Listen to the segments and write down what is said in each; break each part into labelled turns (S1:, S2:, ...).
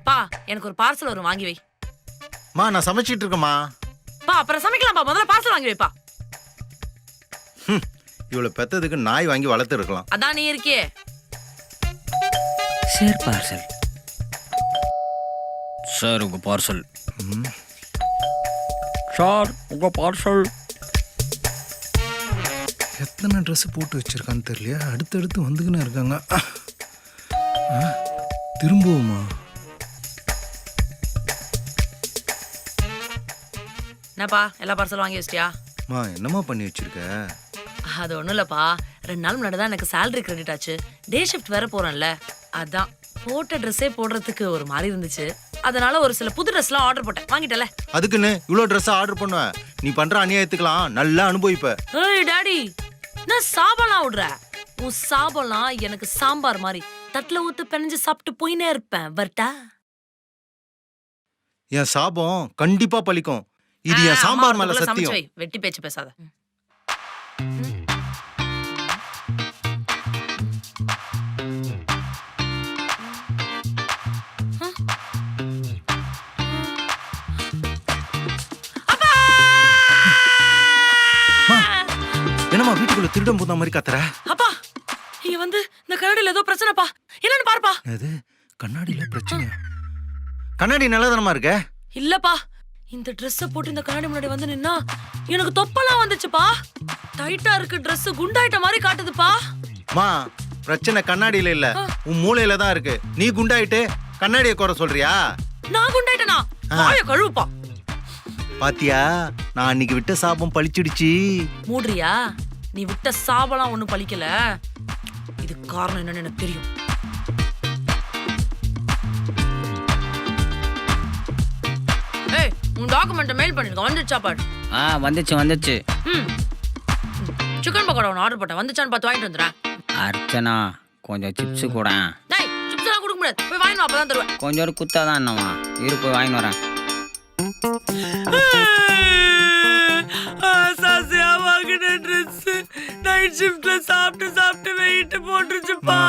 S1: பா எனக்கு ஒரு பார்சல் வரும் வாங்கி வை.
S2: மா நான் சமைச்சிட்டு இருக்கேம்மா.
S1: பா அப்புறம் சமைக்கலாம்ப்பா, முதல்ல பார்சல் வாங்கி வைப்பா.
S2: இவ்வளவு பெத்ததுக்கு நாய் வாங்கி வளர்த்து இருக்கலாம்.
S1: அதான் நீ இருக்கியே.
S3: Sir parcel. சார் உங்க பார்சல். சார் உங்க பார்சல்.
S2: எத்தனை ட்ரெஸ் போட்டு வச்சிருக்கான்னு தெரியலையா, அடுத்தடுத்து வந்துக்கின்னு இருக்காங்க. திரும்பவுமா?
S1: என்னப்பா எல்லா பார்சலும் வாங்கி வச்சிட்டியா?
S2: மா என்னம்மா பண்ணி வச்சிருக்க?
S1: அது ஒண்ணும் இல்லப்பா, 2 நாள் முன்னாடி தான் எனக்கு சேலரி கிரெடிட் ஆச்சு. டே ஷிஃப்ட் வேற போறேன்ல, அதான் போட்ட ட்ரெஸ்ஸே போடுறதுக்கு ஒரு மாதிரி இருந்துச்சு. அதனால ஒரு சில புது ட்ரெஸ்லாம் ஆர்டர் போட்டேன். வாங்கிட்டல.
S2: அதுக்குன்னு இவ்வளோ ட்ரெஸ் ஆர்டர் பண்ணுவேன்? நீ பண்ற அநியாயத்துக்கலாம் நல்லா அனுபவிப்ப.
S1: ஏய் டாடி, நான் சாபம்லாம் விடுற. உன் சாபம்லாம் எனக்கு சாம்பார் மாதிரி தட்டுல ஊத்து பெனஞ்சு சாப்பிட்டு போயினே இருப்பேன். வரட்டா?
S2: என் சாபம் கண்டிப்பா பலிக்கும். இது என் சாம்பார் மேல சத்தியம்.
S1: வெட்டி பேச்சு பேசாத.
S2: என்னம்மா வீட்டுக்குள்ள திருடம் போன மாதிரி கத்துற?
S1: அப்பா இங்க வந்து இந்த கண்ணாடியில ஏதோ பிரச்சனைப்பா, என்னன்னு பாருப்பா.
S2: எது கண்ணாடியில பிரச்சனையா? கண்ணாடி நல்லதானமா இருக்க?
S1: இல்லப்பா, இந்த ட்ரெஸ்ஸ போட்டு இந்த கண்ணாடி முன்னாடி வந்து நின்னா எனக்கு தொப்பலாம் வந்துச்சுப்பா. டைட்டா இருக்கு ட்ரெஸ், குண்டாயிட்ட மாதிரி காட்டுதுப்பா.
S2: மா பிரச்சனை கண்ணாடியில இல்ல, உன் மூளையில தான் இருக்கு. நீ குண்டாயிட்டு கண்ணாடியை குறை சொல்றியா?
S1: நான் குண்டாயிட்டனா? வாய கழுவுப்பா.
S2: பாத்தியா, நான் அன்னைக்கு விட்ட சாபம் பழிச்சிடுச்சு.
S1: மூடுறியா? நீ விட்ட சாபலாம் ஒண்ணும் பழிக்கல. இது காரணம் என்னன்னு எனக்கு தெரியும். ஏய், உன் டாக்குமெண்ட்டை மெயில் பண்ணிருக்க, வந்துச்சா பாரு.
S3: வந்துச்சு.
S1: சிக்கன் பக்கோடா ஒன்று ஆர்டர் போட்டேன், வந்துச்சான்னு பார்த்து வாங்கிட்டு வந்துடுறேன்.
S3: அர்ச்சனா கொஞ்சம் சிப்ஸ் கூட.
S1: டேய், சிப்ஸ் எல்லாம் கொடுக்க முடியாது, போய் வாங்கிட்டு வா, அப்பதான் தருவேன்.
S3: கொஞ்சம் குத்தாதான் என்னவா, இரு போய் வாங்கிட்டு வரேன்.
S1: சாசியா வாங்கின ட்ரெஸ் நைட் ஷிஃப்ட்ல சாப்பிட்டு வெயிட் போட்டுருச்சுப்பா.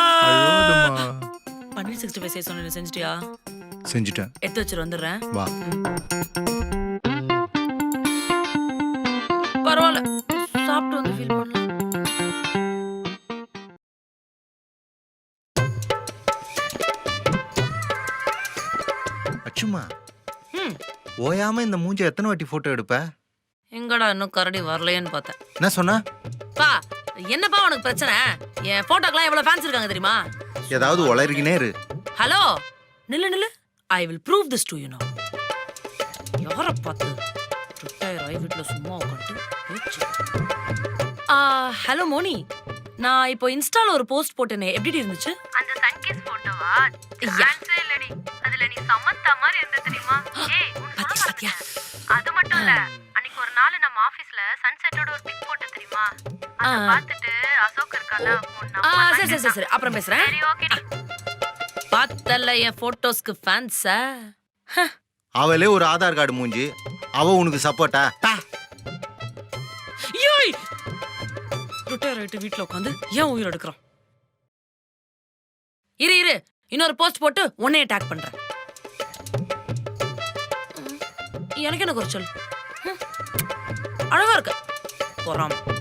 S1: பன்னீர் 65 செய்ய சொன்ன, செஞ்சிட்டியா?
S2: செஞ்சுட்டேன்.
S1: எடுத்து வச்சிரு, வந்துடுறேன்.
S2: வா.
S1: பரவாயில்ல, சாப்பிட்டு வந்து ஃபீல் பண்ணலாம்.
S2: அச்சுமா ஓயாம இந்த மூஞ்ச எத்தனை வாட்டி போட்டோ எடுப்ப?
S1: எங்கடா இன்னும் கரடி வரலையேன்னு பார்த்தேன்.
S2: என்ன சொன்ன?
S1: பா என்னப்பா உனக்கு பிரச்சனை? என் போட்டோக்கெல்லாம் எவ்வளவு ஃபேன்ஸ் இருக்காங்க தெரியுமா?
S2: ஏதாவது உளறிக்கினே இரு.
S1: ஹலோ, நில்லு. I will prove this to you now. யாரை பார்த்து ரிட்டையர் ஆகி வீட்டில் சும்மா உட்காந்து பேச்சு. ஹலோ மோனி, நான் இப்போ இன்ஸ்டால ஒரு போஸ்ட் போட்டேனே, எப்படி இருந்துச்சு?
S4: அந்த சன்கிஸ் போட்டோவா? சான்ஸே இல்லடி. அதுல நீ சமந்தா மாதிரி இருந்த தெரியுமா? ஏய்
S1: பாத்தியா?
S4: அது மட்டும் இல்ல, அன்னைக்கு ஒரு நாள் நம்ம ஆபீஸ்ல சன்செட்டோட ஒரு பிக் போட்டு தெரியுமா? அத பார்த்துட்டு அசோக் இருக்கால,
S1: சரி அப்புறம் பேசுறேன்.
S4: சரி ஓகேடி.
S1: பார்த்தல என் போட்டோஸ்க்கு ஃபேன்ஸா?
S2: அவளே ஒரு ஆதார் கார்டு மூஞ்சி, அவ உனக்கு சப்போர்ட்டா?
S1: ஏய், ரிட்டையர் ஆயிட்டு வீட்ல உட்காந்து ஏன் உயிர் எடுக்கிறான்? இரு இன்னொரு போஸ்ட் போட்டு உன்னைய அட்டாக் பண்றேன். எனக்கு என்ன குறைச்சல்? அழகா இருக்கு. போறாம